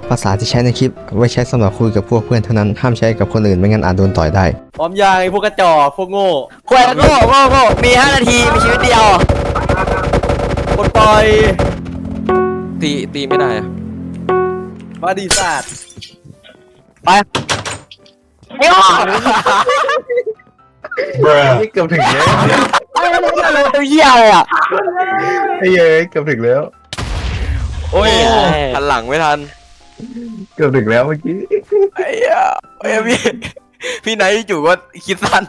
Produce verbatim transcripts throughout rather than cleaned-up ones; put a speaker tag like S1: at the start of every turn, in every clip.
S1: ภาษาที่ใช้ในคลิปไว้ใช้สำหรับคุยกับพวกเพื่อนเท่านั้นห้ามใช้กับคนอื่นไม่งั้นอาจโดนต่อยได้
S2: พร้อมยังไอ้พวกกระจอกพวกโง่
S3: ควยโง่โง่โง่มีห้านาทีมีชีวิตเดียว
S2: กดปล่อย
S4: ตีตีไม่ได้อะ
S2: มาดีสัตว์
S3: ไปไอ้โง่
S5: เกือบถึงแล้ว
S3: ตัวเหี้ยเลยอ่ะ
S5: ไอ้เย้เกือบถึงแล้ว
S4: โอ้ยหันหลังไม่ทัน
S5: เกือบถึงแล้วเมื่อกี้
S4: ไอ้เหี้ยไอ้พี่พี่ไหนจู่ก็คิดสั้น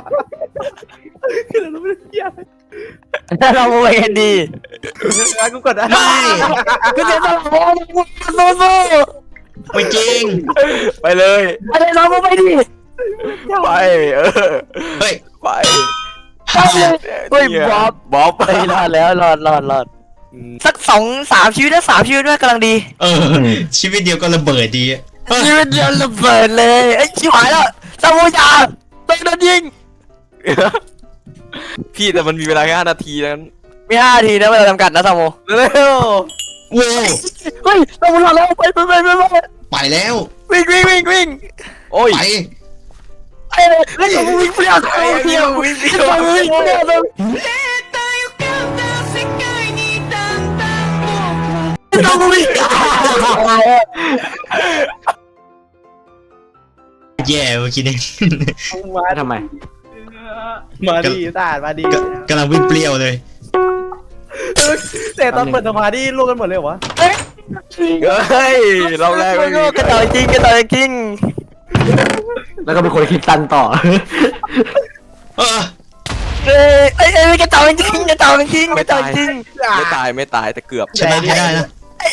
S3: เราไปกันดี
S2: แล้วกูกดอะไร
S3: กูเสียสละโซ่โซ่
S5: ไม่จริง
S4: ไปเลย
S3: อะไรเราไปดิ
S4: ไปเออ
S5: เฮ้ย
S4: ไป
S3: ไปเลยเฮ้ยบ๊อบ
S4: บ๊อบ
S3: ไปรอดแล้วรอดรอดรอดสักสองสามชีวิตนะสามชีวิตด้วยกำลังดี
S5: เออชีวิตเดียวก็ระเบิดดี
S3: ชีวิตเดียวระเบิดเลยไอ้ชิบหายแล้วซามูยาต้องโดนยิง
S4: พี่แต่มันมีเวลาแค่ห้านาทีนั้น
S3: มีห้านาทีนะเวลาจำกัดนะซามู
S4: เร็ว
S5: โว้
S3: เฮ้ยซามูรอดแล้วไปไปไปไป
S5: ไปแล้ว
S3: วิ่งวิ่งวิ่งวิ่ง
S4: โอ้ย
S5: ไป
S3: ไอ้ไอ้ซามูวิ่งเปรี้ยวไอ้เปรี้ยววิ่งเปรี้ยววิ่งเปรี้ยวซามูวิ่ง
S5: แย่เมื่อกี้นี่
S2: มา
S3: ทำไม
S2: มาดีสัตว์มาดี
S5: กำลังวิ่งเปรี้ยวเลย
S2: แต่ตอนเปิดสมาธิลูกกันหมดเลยวะ
S4: เฮ้ยเราแรก
S3: กระต่ายจริงกระต่ายจริงแล้วก็เป็นคนคิดตันต่อ
S5: เออ
S3: เอ้ยเอ้ยกระต่ายจริงกระต่ายจริงกระต่ายจริง
S4: ไม่ตายไม่ตายแต่เกือบ
S5: ชนะให้ได้นะ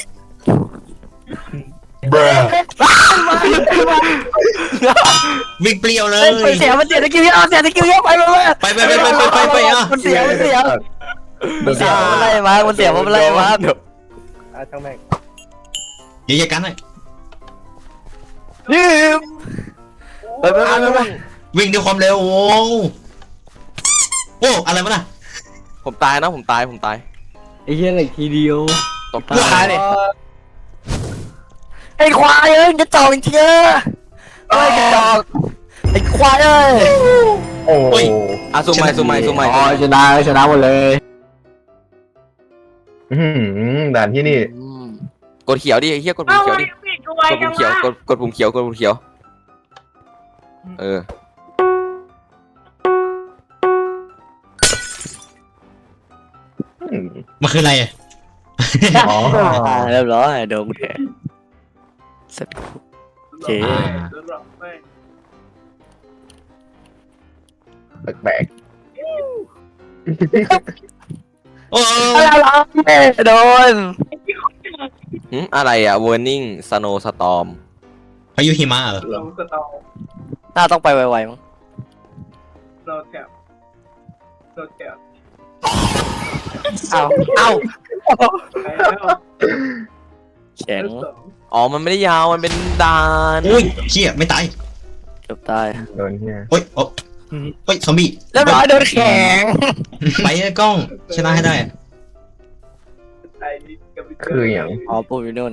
S5: วิ่งเปรี้ยวเลย
S3: เสียมันเสียตะกิ้วเยอะเสียตะกิ้วเยอะไปไป
S5: ไปไปไปไปไปไปอ่ะ
S3: มันเสียมันเสียมันเสียอะไรมามันเสียมันอะไรมา
S2: อ่ะช่างแม่ง
S5: เดี๋ยวกันเลย
S3: นี่ไปไปไปไป
S5: วิ่งด้วยความเร็วโอ้โอ้อะไรวะน่ะ
S4: ผมตายนะผมตายผมตาย
S3: ไอ้เหี้ยอะไรทีเดียว
S4: ตกตายเลย
S3: ไอ้ควายเอ้ยจะจ่อจริงๆเอ้ยจะจ่อไอ้ควายเอ้ย
S5: โอ้ย
S4: อ่ะซูมใหม่ซูมใหม่ซูมใหม่
S3: อ๋อชนะชนะหมดเลย
S5: อืมด่านที่นี่
S4: กดเขียวดิไอ้เหี้ยกดปุ่มเขียวดิกดปุ่มเขียวกดกดปุ่มเขียวกดปุ่มเขียวเออ
S5: มันคืออะไรอ่ะ
S3: อ๋อเรียบร้อยโดนแทนเสร็จเจ๊
S5: แบกโอ้
S3: อะไรโดน
S4: อะไรอ่ะ warning snow storm
S5: พายุหิมะเหรอ
S3: น่าต้องไปไวๆมั้ง
S2: เราแถบเราแถบ
S3: เอาเอาแข็ง
S4: อ๋อมันไม่ได้ยาวมันเป็นดาน
S5: อุ้ยเชี่ยไม่ตาย
S3: เกือบตาย
S5: โดนเฮียโอ้ยโอ้เฮ้ยซอมบี้
S3: เรียบร้อยโดนแข็ง
S5: ไปเลยกล้องชนะให้ได้คืออย่าง
S3: อ๋อปูอยู่นู่น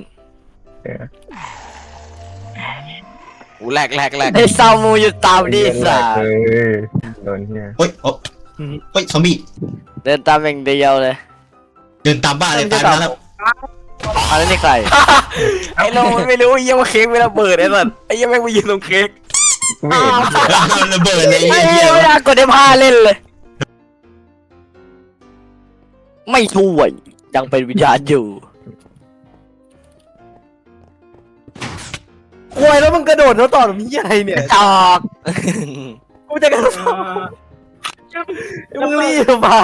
S4: โอ้แหลกแหลกแหลก
S3: ไอ้ซามูอยู่ตามดิสา
S5: โดนเฮียโอ้ยโอ้เฮ้ยซอมบี้
S3: เดินตามอย่างเดียวเลย
S5: เดินตามบ้าเลยตายแล้ว
S3: อะไรนี่ใคร
S4: ไอ้เราไม่รู้ยังว่าเค้กไม่ระเบิดไอ้สัสไอ้ยังไม่ไปยืนตรงเค้ก
S5: ระเบิดเลย
S3: ไอ้เหี้ยเวลากดได้ผ้าเล่นเลยไม่ช่วยยังเป็นวิญญาณอยู่
S2: โวยแล้วมึงกระโดดแล้วต่อแบบนี้อะไรเนี่ย
S3: จอก
S2: กูจะกระโดดมึงรีบมา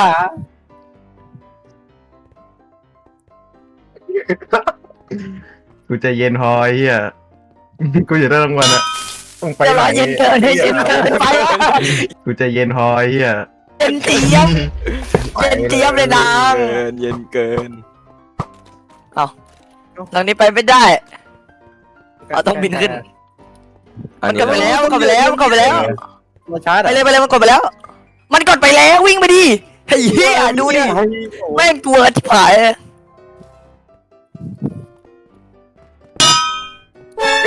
S5: กูจะเย็นพอเฮียกูจะได้รางวัลอะต้องไปไหน
S3: เย็นเกินเย็นเกินไป
S5: กูจะเย็นพอเฮีย
S3: เย็นเจี๊ยบเย็นเจี๊ยบเลยนาง
S4: เย็นเกิน
S3: เอาทางนี้ไปไม่ได้เอาต้องบินขึ้นมันกดไปแล้วกดไปแล้วกดไปแล้วไปเลยไปเลยมันกดไปแล้วมันกดไปแล้ววิ่งไปดิเฮ้ยดูดิแม่งตัวที่ผาย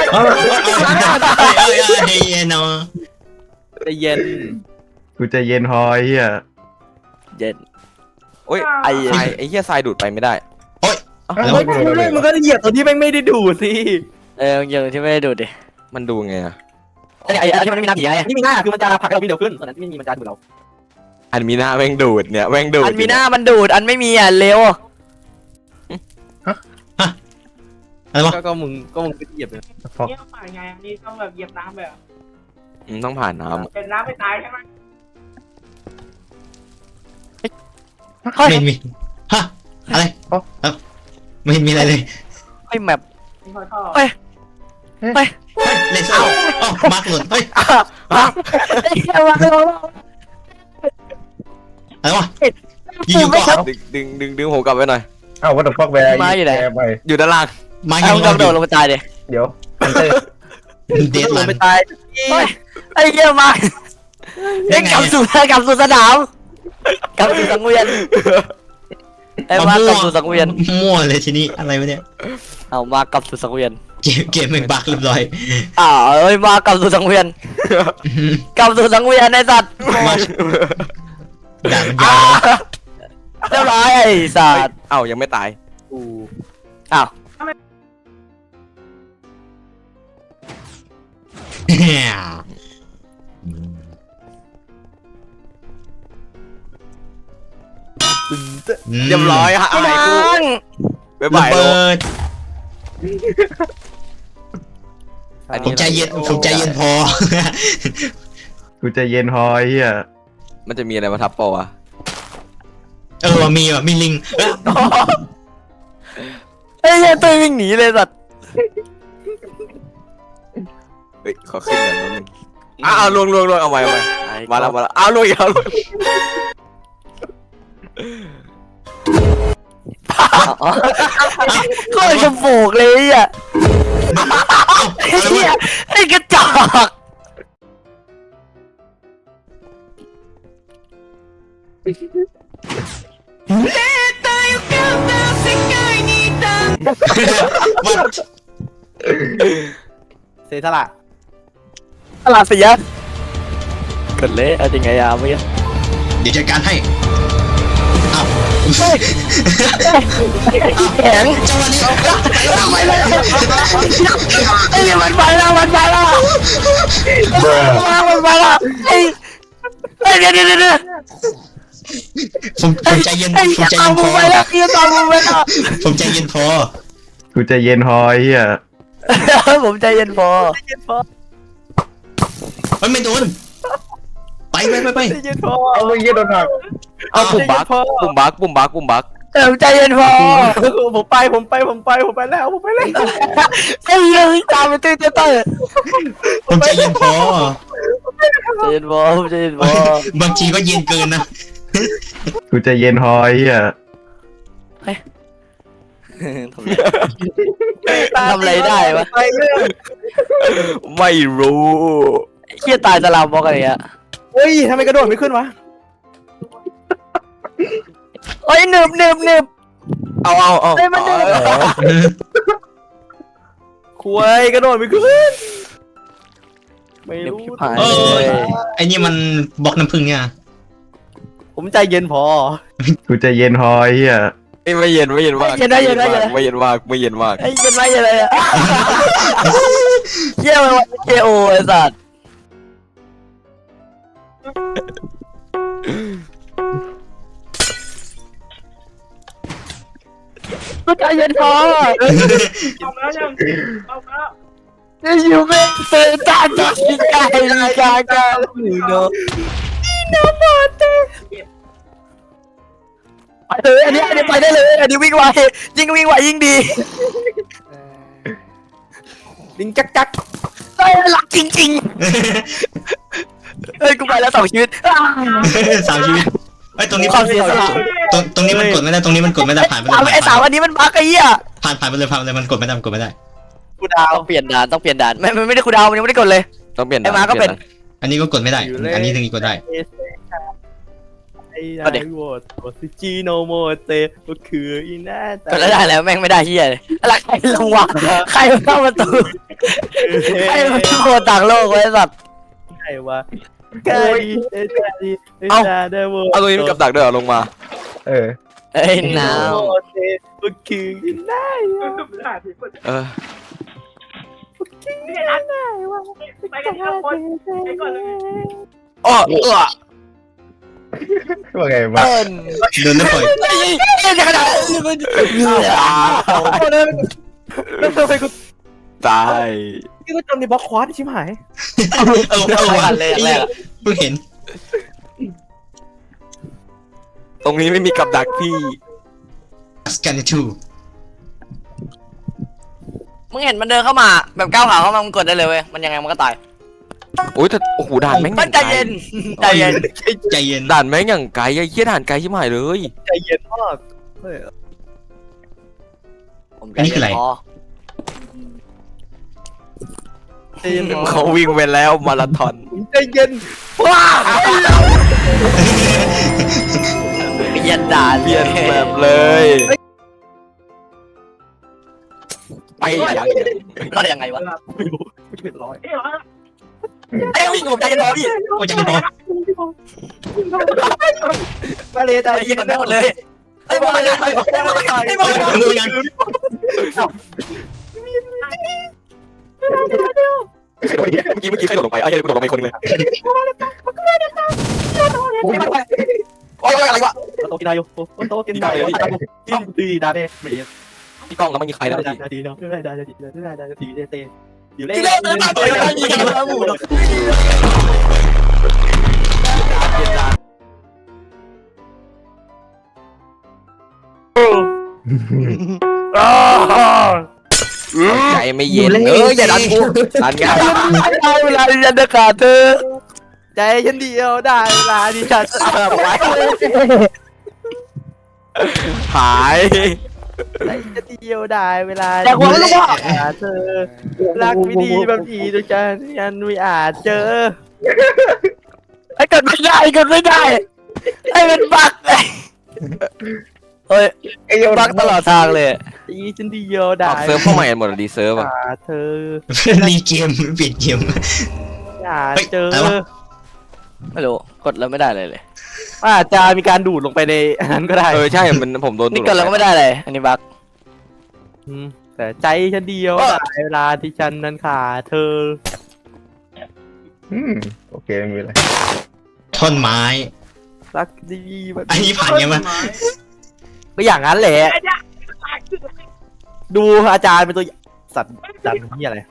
S6: เอ้ยเอ้ยเอ้ยเฮ้ยเนาะ
S3: ใจเย็น
S5: กูจะเย็นพอไอ้เหี้ย
S3: เย็น
S4: โอ้ย
S3: ไอ้
S4: ทรายไอ้เหี้ยทรายดูดไปไม่ได้
S6: แล้ว
S3: มันก็เหยียบตัวที่แม่งไม่ได้ดูดสิเออเหยียบที่ไม่ได้ดูดดิ
S4: มันดูไงอะ
S3: ไอ้ไอ้ที่มันไม่มีน้ำผีไงที่มีหน้าคือมันจะผลักให้เราวิ่งเร็วขึ้นส่วนนั้นที่ไม่มีมันจะดูดเรา
S4: อันมีหน้าแม่งดูดเนี่ยแม่งดูด
S3: อันมีหน้ามันดูดอันไม่มีอ่ะเร็ว
S6: อะไรวะ
S3: ก็ก็มึงก็มึงไปเหยียบเลย
S5: ฟอก
S2: เนี่ยฝ่ายไงอันนี้ต้องแบบเหยียบน้ำแบบ
S4: อืมต้องผ่านน้
S2: เป็นน้ำไม่ตายใช่ไหม
S6: ไม่มีฮะอะไรเอ้าไม่มีอะไรเลย
S3: ไอ้แมป
S2: มีคอยท่อ
S3: เฮ้ย
S6: เฮ้ยเลเซอร์อ๋อมาร์กหล่นเฮ้ย
S3: ไอ้เหี้ยมาเลย
S6: อะไรวะอยู่ๆก็
S4: ำดึงดึงดึงดึงผมกลับไปหน่อย
S5: เอ้าวัตถุฟอกแวร์
S3: มาอยู่ไหน
S5: ไป
S4: อยู่ด้านล่าง
S6: มาอ
S3: เอา
S6: ยู่
S3: กระโดดลงไปตายดิ
S5: เดี๋ยวฮันเตอร์
S6: เดด
S3: ล
S6: ลั
S3: ง
S6: น
S3: ไปตายไอ้เหี้ยมาเอ็งกลับสู่กลับสู่สนามกลับสู่สังเวียนไอ้มากลับสู่สังเวียน
S6: มั่วเลยทีนี้อะไรวะเนี่ย
S3: เอามากลับสู่สังเวียน
S6: เกมเกมมันบักเรียบร้อย
S3: อ้าวเอ้ยมากลับสู่สังเวียนกลับสู่สังเวียนไอ้สัตว์
S6: มาด่ามันยาว
S3: เรียบร้อยไอ้สัตว์
S4: เอ้ายังไม่ตาย
S3: อ้าว
S4: เรียบร้อยฮะอะไรกูบ๊ายบาย
S6: ระ
S4: โล
S6: เบิด
S4: อัน
S6: ผ
S4: นี้
S6: มใจเย็นผมใจเย็นพอ
S5: กูจะเย็นพอไอ้เหี้ย
S4: มันจะมีอะไรมาทับปอวะ
S6: เออว่ะมีว่ะมีลิงเอ้ย
S3: ไอ้เหี้ยตัววิ่งหนีเลยสัตว์
S4: เฮ้ยขอขึ้นหน่อยนิดนึงอ้าวลวงลวงลวงเอาไว้เอาไว้มาแล้วมาแล้วอ้าวลวงอีกแล้วลวง
S3: ก็เลยจะโบกเลยอ่ะไอ้เหี้ยไอ้กระจอกเสียสละสละเสียเกิดเละเอาจริงไงอ่ะเมื่อกี้
S6: เดี๋ยวจัดการให้อ้าว
S3: แข็ง
S6: จังหวะนี้
S3: ไปเลยไอ้เนี่ยมันไปแล้วมันไปแล้วมันไปแล้วไอ้ไอ้เดี๋ยวเดี๋ยวเดี๋ยว
S6: ผมผมใจเย็น
S3: ไอ้
S6: ผมใจ
S3: ตา
S6: เย็
S3: ม
S6: นพ
S3: มึ
S6: อง
S3: ไปแล้วคือตามมึงไปแล้ว
S6: ผมใจเย็นพอ
S5: กูจะเย็นพอไอ้เหี้ย
S3: ผมใจเย็นพอ
S6: เฮ้ยไม่โดนไปไปไปไป
S3: ใจเย็นพอ
S5: เอาไอ้เหี้ยโดนหัก
S4: เอาปุ่มบักปุ่มบักปุ่มบักปุ่มบัก
S3: ผมใจเย็นพอผมไปผมไปผมไปผมไปแล้วผมไปแล้วไอ้เหี้ยตามไปตื้อตื้อตื้อ
S6: ผมใจเย็นพอ
S3: ใจเย็นพอผมใจเย็นพอบ
S6: างทีก็เย็นเกินนะ
S5: กูจะเย็นพอไอ้เหี้ย
S3: ทำอะไรได้วะ
S4: ไม่รู้
S3: เหี้ยตายสลามบอกอะไรอ่ะ
S7: เฮ้ยทำไมกระโดดไม่ขึ้นวะ
S3: โอ้ยหนึบหนึบหนึบ
S4: เอาเอาเอา
S3: เฮ้ยมันเดิน
S7: คุยกระโดดไม่ขึ้น ไม่รู้
S6: เออไอ้นี่มันบล็อกน้ำผึ้งเนี่ย
S7: ผมใจเย็นพอ
S5: กูจะเย็นพอไอ้เหี้ย
S4: ไม่เย็นไม่เย็นมากไม่เย็นมากไม่เย็นมากไม่เย็นมาก
S3: ไอ้เย็นไหมอะไรอ่ะเหี้ยมันเจโอไอ้สัตว์ก็ใจเย็นพอ
S2: เอาแล้วยังเอาแล้ว
S3: จะอยู่ไม่เตือนตาดีใจดีใจกันหนูเนาะนี่น้ำมันเต้ไปเลยอันนี้อันนี้ไปได้เลยอันนี้วิ่งไวยิ่งวิ่งไวยิ่งดี
S7: ลิงจักจัก
S3: ไอ้หลักจริงๆเฮ้ยกูไปแล้วสองชีวิต
S6: สามชีวิตไอ้ยตรงนี้
S3: ความเสียสละ
S6: ตรงตรงนี้มันกดไม่ได้ตรงนี้มันกดไม่ได้ผ่านไปเล
S3: สาม
S6: ย
S3: ไอ้สามอันนี้มันบั๊กไอ้เหี้ย
S6: ผ่านผ่านไปเลยผ่านไปเลยมันกดไม่ได้มันกดไม่ได้
S3: กูดาวต้องเปลี่ยนด่านต้องเปลี่ยนด่านไม่ไม่ได้กูดาวมันยังไม่ได้กดเลย
S4: ต้องเปลี่ยน
S3: ไอ้มาก็เป็น
S6: อันนี้ก็กดไม่ได้ อันนี้ถึงกดได้
S7: ไอ้
S3: ก็เด็ก
S7: โหวตโอซิจิโนโมเตก็คืออีน่า
S3: ก็แล้วได้แล้วแม่งไม่ได้เฮียเลยอะไรใครลงวะใครมาเข้าประตูใครมาโคต่างโลกไว้สัตว์
S7: ใครวะกาดีเอตาดีเอตาเดโว
S4: เอาตัวนี้มันกับดักด้วยเหรอลงมา
S5: เออ
S3: เอ้ยหนาว
S7: โมเตก็คืออีน่า
S4: เออ
S2: นี่นัดไปกันทีละคนไปก่อนเลย
S3: อ้อเออ
S5: ว่าไงวะ
S3: เอิญ
S6: โดนแล้วปล่อย
S3: เอ้ยเอ้ยขนาดนี้มัน
S7: แล้วทำไมกู
S4: ตาย
S7: นี่กูจำในบล็อกควาดชิบหาย
S6: เออเอาวะเพิ่งเห็น
S4: ตรงนี้ไม่มีกับดักพี่
S6: สกันทู
S3: มึงเห็นมันเดินเข้ามาแบบก้าวขาเข้ามามึงกดได้เลยเว้ยมันยังไงมันก็ตาย
S4: โอ้ยแต่โอ้โหด่านแม่ง
S3: มันใจเย็นใจเย็น
S6: ใจเย็น
S4: ด่านแม่งอย่างไกลไอ้เหี้ยด่านไกลชิบหายเลย
S7: ใจเย็นมากเฮ้ย
S3: ผมใจเย็นพอ
S7: ใจเย็น
S4: เขาวิ่งไปแล้วมาราธอน
S7: ใจเย็น
S3: ว้าเปลี่ยนด่าน
S4: เปลี่ยนแบบเลยไปอย่าง
S3: ก็ได้ยังไงวะ
S7: ไม่รู้ไม่เป็นร้อย
S2: เอ้ยเหรอ
S3: ไอ้วิ่งผมใจเย็นพอพี่
S6: โอ้ยใจเย็นพอ
S7: มาเลยใจ
S3: ใจ
S7: เย็
S3: เย็
S7: น
S3: นไปหมดเลยไอ้บอลไอ้บอลไอ้บอลไอ้บอล
S6: เรื่องยัง
S4: เมื่อกี้เมื่อกี้ใครโดดลงไปไอ้เหี้ยกูโดดลงไปคนนึงเลยโอ้ยอะไรวะ
S7: โตกินได้อยู่โอ้โตกินได้ที่ตีดาเด้ไม่เย็น
S4: พี่กล้องแล้วมันมีใครแล้ว
S7: ได้
S4: พี่
S7: ได้ดีเนาะได้ได้ได้ได้ได้ดีเตอยู่เล่
S3: ที่เล่นเลยมาเลยมาเลยมาหมู่
S4: ใจไม่เย็นเอออย่าดันกูดันไง
S3: ได้เวลาที่จะเดินขาเธอ
S7: ใจฉันเดียวได้เวลาที่ฉัน
S4: หาย
S7: ใจฉันเดียวได้เวลา
S3: แต่หัวไม่รู้ว่า
S7: เธอรักไม่ดีบางทีด้วยกันยันไม่อาจเจอ
S3: ไอ้กดไม่ได้กดไม่ได้ไอ้เป็นบักเฮ้ยบักตลอดทางเลย
S7: ใจฉันเดียวได้
S4: ออกเซิร์ฟเข้าใหม่หมดดีเซิร์ฟอ่ะ
S7: เธอ
S6: รีเกมเปลี่ยนเกม
S7: อย่าเจอ
S3: ไม่รู้กดแล้วไม่ได้เลยเลย
S7: อาจจะมีการดูดลงไปในอันนั้นก็ได้
S4: เออใช่มันผมโดน
S3: นี่กดแล้วก็ไม่ได้เลยอันนี้บัก
S7: แต่ใจฉันเดียวได้เวลาที่ฉันนั้นขาดเธอ
S5: อืมโอเคไม่มีอะไร
S6: ท่อนไม้
S7: รักดีแบบ
S6: อันนี้ผ่านยังไง
S7: ก็อย่างนั้นแหละ
S2: ไอ้เนี่ย
S7: ดูอาจารย์เป็นตัวสัตว์สัตว์นี่อะไร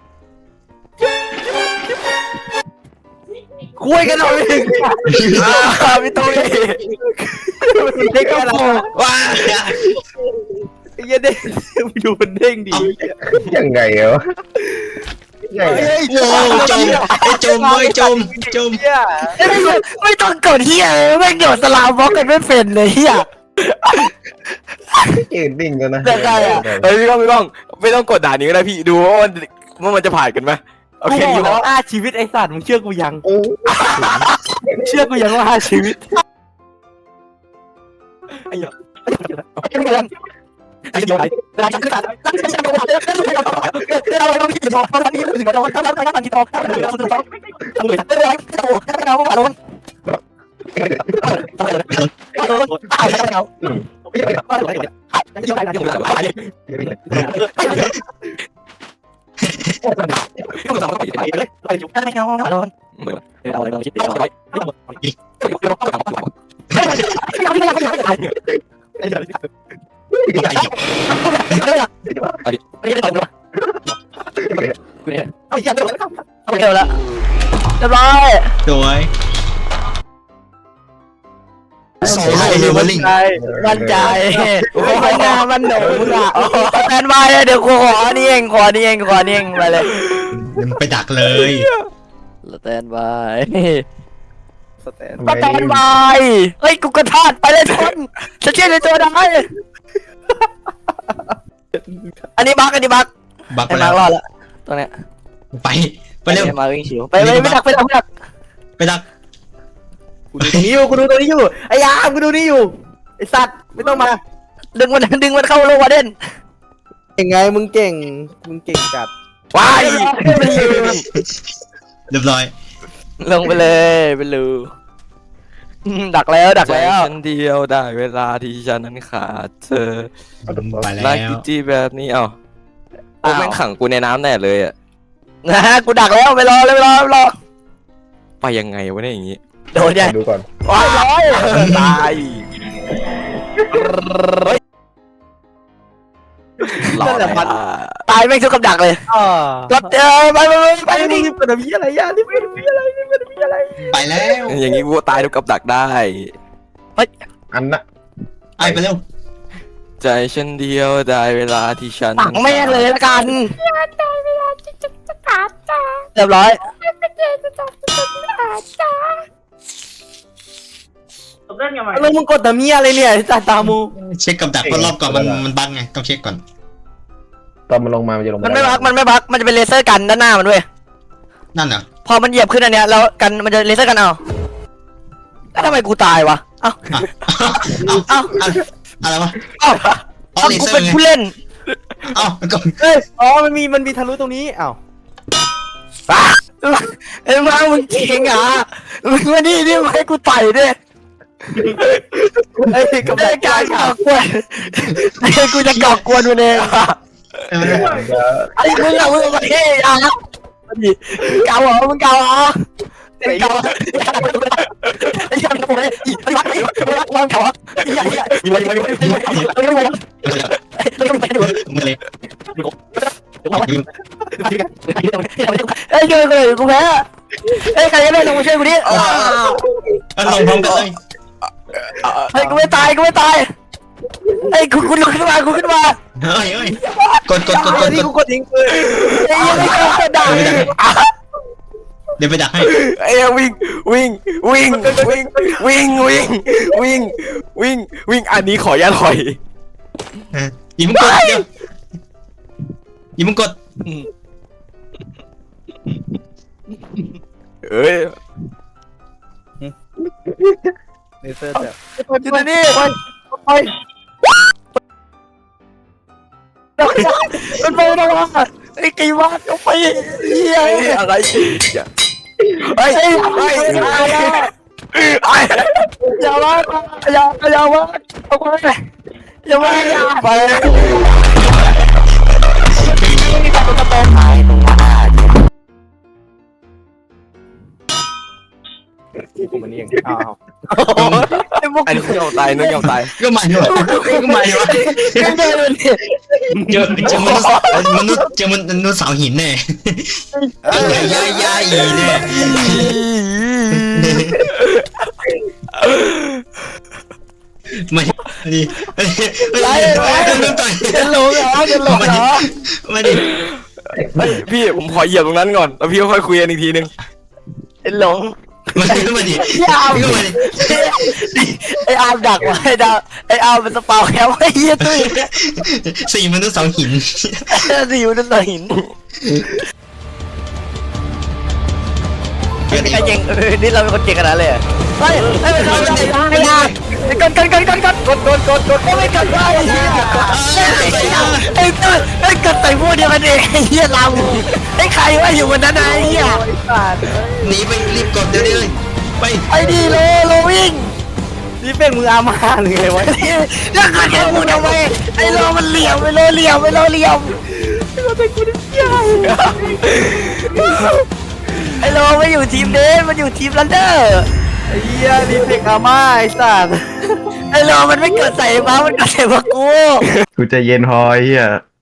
S7: คุยกันหน่อย
S3: พี่ตุ้ย
S7: มันเด้งอะไร
S6: ว้า
S7: ไอ้เหี้ยเด้งไปดูมันเด้งดี
S5: ยังไงวะยังไง
S6: โอ้จมไอ้จมเว้ยจมจม
S7: เนี่ย
S3: ไม่ไม่ต้องกดเฮียไม่โดดสลามบล็อกกันไม่เป็นเลยเฮีย
S5: ยืนดิ่งกันนะ
S3: แต่ไงอะ
S4: เฮ้ยพี่กล้องพี่กล้องไม่ต้องกดด่านนี้ก็ได้พี่ดูว่ามันว่ามันจะผ่านกันไหมโอ
S7: กู
S4: เค
S7: บ
S4: อ
S7: อก
S4: ยู่
S7: แล้วห้าชีวิตไอ้สัตว์มึงเชื่อกูยังเชื่อกูยังว่าห้าชีวิต
S4: ไอ้เหี้ย
S3: ไอ้เดียวเวลาจะขึ้นศาลตั้งใจจะโดนเรื่องเรื่องเรื่องเรื่องอะไรต้องคิดต่อเพราะตอนนี้ถึงจะโดนถ้าเราไม่ตั้งคิดต่อถ้าเราไม่ตั้งคิดต่อทำเลยไม่เป็นไรจะโดนถ้าเราไม่โดนโดนตายแล้วเราไม่ได้ไม่ได้ไม่ได้ไม่ได้ไม่ได้ไม่ได้ต้องสั่งต้องไปเลยไปจุดถ้าไม่เอาโดนเอาอะไรมาคิดเอาอะไรไม่ต้องอีกไม่ต้องไม่ต้องไม่ต้องไม่ต้องไม่ต้องไม่ต้องอันนี้อันนี้ได้ตอนนี้กูเนี่ยเอาอย่างเดียวเอาเดียวละเรียบร้อย
S6: สวยโซโล่เลเวลลิ่ง
S3: มั่นใจโอ้ยหน้ามันหนูอ่ะแฟนมาเดี๋ยวกูขอนี่เองขอนี่เองขอนี่เองไปเลย
S6: ไปดักเลย
S3: สแตนบาย
S7: สแตน
S3: สแตนบายเฮ้ยกูกระทาดไปเลยทนจะเชื่อในตัวได้อันนี้บักอันนี้บัก
S6: บักไป
S3: ไอ้
S6: แล้
S3: มาว รอดละตรงเนี้ย
S6: ไปไปเร็ว
S3: มาวิ่งชิวไปไปไม่ดักไปดักไม่ดัก
S6: ไปดัก
S7: กูกูดูตรงนี้อยู่กูดูตรงนี้อยู่ไอ้ยามกูดูนี่อยู่ไอ้สัตว์ไม่ต้องมา
S3: ดึงมันดึงมันเข้าโลวาเด่น
S7: เก่งไงมึงเก่งมึงเก่งจัด
S4: ว้าย
S6: เรียบร้อย
S3: ลงไปเลยไปลูอืมดักแล้วดัก
S4: ใจ
S3: แล้ว
S4: ฉันเดียวได้เวลาที่ฉันนั้นขาดเธอ
S6: ไปแล้
S4: รัก
S6: ว
S4: จีแบบนี้เอ้าโอ้แม่งขังกูในน้ำแน่เลยอ่ะ
S3: นะฮะกูดักแล้วไปรอเลยไปรอไปรอ
S4: ไปยังไงวะเนี่ยอย่างงี้
S3: โดนยัง
S7: ดูก่อน
S3: ว้ายร้อย
S4: ตายหลอดเลยอ่ะ
S3: ตายแม่งทุกกับดักเลย
S7: อ่าร
S3: ถเออไปไปไปไป
S7: ไป
S3: ดิ
S7: นี่เป็นอะไรอะไรยานี่เป็นอะไรนี่เป็นอะไร
S6: ไปแล้ว
S4: อย่างงี้กูตายทุกกับดักได้
S5: อันน่ะ
S6: ไปไปเร็ว
S4: ใจฉันเดียวได้เวลาที่ฉัน
S3: ปักแม่งเลยละกันเรียบร้อย
S2: จบเรื่องยังไง
S7: แล้วมึงกดแต่มีอะไรเนี่ยไอ้สัตว์ตามู
S6: เช็คกับดักเพราะรอบก่อนมันมันบั๊กไงต้องเช็คก่อน
S5: ตอนมันลงมามันจะลง
S3: มันไม่บักมันไม่บักมันจะเป็นเลเซอร์กันด้านหน้ามันด้วย
S6: นั่นเหรอ
S3: พอมันเหยียบขึ้นอันเนี้ยแล้วกันมันจะเลเซอร์กันเอาแล้วทำไมกูตายวะเอ้า
S6: เอ้า
S3: เอ้า
S6: อะไรวะ
S3: เอ้า
S6: อ๋อ
S3: เอ้า
S6: เล
S3: กู
S6: เซอ
S3: เป็น
S6: ร์ไง
S3: ผู้เล่น
S6: เอ้าก็
S7: เอ้ยอ๋อมันมีมันมีทะลุตรงนี้อ้าว
S3: ไอ้มามึงจริงเหรอมึงมานี่นี่มาให้กูต่อยด้วย
S7: ไอ้ยกับ
S3: ไอ้การก่อกวนไอ้กูจะก่อกวนมันเองอะไอ้มึงอะมึงมาเฮ้ยอ่ะดิเก่าเหรอมึงเก่าเหรอไอ้เก่าไอ้ยังทำไมไอ้วัดไอ้วัดวางเก่าอ่ะไอ้ยังไอ้ยังไอ้ยังไอ้ยังไอ้ยังไอ้ยังไอ้ยังไอ้ยังไอ้ยัง
S6: มือเลย
S3: เอ้ยช่วยกูเลยกูแพ้เอ้ยใครจะได้ลงมาช่วยกูดิ
S6: เออลงพร้อมกันเลย
S3: เฮ้ยกูไม่ตายกูไม่ตายเอ้ยกูกูลุกขึ้นมากูขึ้นมา
S6: เฮ้ยเฮ้ยกดกดกดก
S7: ไอ้
S6: ด
S7: นี่
S6: ก
S7: กู
S6: ด
S7: กดทิ้งปืน
S3: ไอ้ยังไม่กระดาษ
S6: เดี๋ยวไปดักให้
S4: ไอ้วิ่งวิ่งวิ่งวิ่งวิ่งวิ่งวิ่งวิ่งวิ่งอันนี้ขออย่าถอย
S6: ยิงมึงกดเดี๋ยวยิงมึงกด
S4: เอ้ย
S7: เลเซอร์แบบ
S3: อยู่ตรงนี้ไปมันไปนะวะไอ้กี่วัดเอาไปเฮีย
S4: อะไรอย่า
S3: เฮ้ยเฮ้ยเฮ้ยอย่าว่าอย่าอย่าว่าเอาไปอย่าว่าอย่าไป
S7: มันนี่เองอ้าว
S3: ไอ้พวก
S4: อันนี้ยอมตายนึกยอมตาย
S6: ก็มาอยู่ก็มาอยู่
S3: กันเดินเนี่ย
S6: เจอเจอมนุษย์มนุษย์เจอมนุษย์สาวหินแน่ยายยายอีแน่ไม่ดิไม่ดิไม่ดิไม่ต่อย
S3: จะหลงเหรอจะหลงเหรอ
S6: ไม่ดิ
S4: เฮ้ยพี่ผมขอเหยียบตรงนั้นก่อนแล้วพี่ค่อยคุยกันอีกทีนึง
S3: หลง
S6: มาดิก็มาดิ
S3: ยาว
S6: ก็มาดิ
S3: ไอ้อาร์มดักไว้ไอ้ดาวไอ้อาร์มเป็นสปาวแคมไอ้เหี้ยตุ้ย
S6: สี่มนุษย์สาวหิน
S3: สิวนั่นหินไอ้เก่งนี่เราเป็นคนเก่งขนาดเลยเฮ้ยเฮ้ยเราไม่ได้ไม่ได้กดกดกดกดกดกดกดกดกดไม่กดได้ไอ้เหี้ยไอ้ตุ้ยไอ้กดใส่พวกเดียวกันเองไอ้เหี้ยเราไอ้ใครว่าอยู่บนนั้นไอ้เหี้ย
S6: หนีไปรีบกดเดี๋ยวนี้เลยไป
S3: ไอ้ดีโลโลวิ่ง
S7: นี่เป็นมืออามาหรือไงวะ
S3: แล้วก็แค่พูดทำไมไอ้โลมันเหลี่ยมไอ้โลเหลี่ยมไอ้โลเหลี่ยมไอ้โลไม่อยู่ทีมเดนมันอยู่ทีมลันเดอร์
S7: ไอ้เหี้ยนี่เป็นอามาไอ้สัตว์
S3: ไอ้โลมันไม่เกิดใส่มามันเกิดใส่มากู
S5: กูจะเย็นพอไอ้เฮีย